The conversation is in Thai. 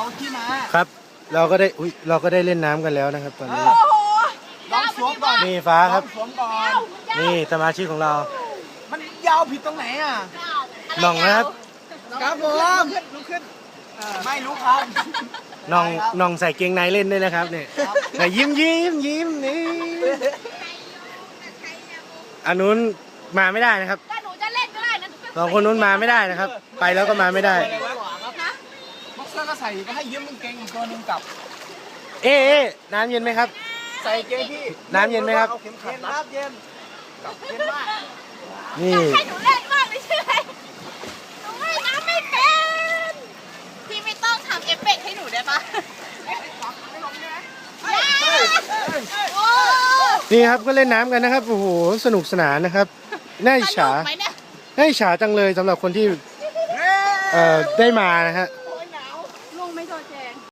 เอาที่มาครับเราก็ได้เล่นน้ำกันแล้วนะครับตอนนี้ลองสวมก่อนนี่ฟ้าครับสวมก่อนนี่สมาชิกของเรามันยาวผิดตรงไหนอ่ะน้องนะครับครับผมลุกขึ้นไม่รู้ครับน้องใส่เกงในเล่นด้วยนะครับเนี่ยยิ้มนี่อันนู้นมาไม่ได้นะครับหนูจะเล่นก็ได้นะสองคนนู้นมาไม่ได้นะครับไปแล้วก็มาไม่ได้บ็อกเซอร์ก็ใส่ก็ให้ยืมกางเกงอีกตัวนึงกับเอ๊ะน้ำเย็นไหมครับใส่เกงพี่น้ำเย็นไหมครับเย็นครับเย็นกับเย็นมากนี่ให้หนูเล่นมากเลยใช่ไหมหนูว่ายน้ำไม่เป็นพี่ไม่ต้องทำเอฟเฟกต์ให้หนูได้ปะนี่ครับก็เล่นน้ำกันนะครับโอ้โหสนุกสนานนะครับน่าอิจฉาจังเลยสำหรับคนที่ได้มานะฮะ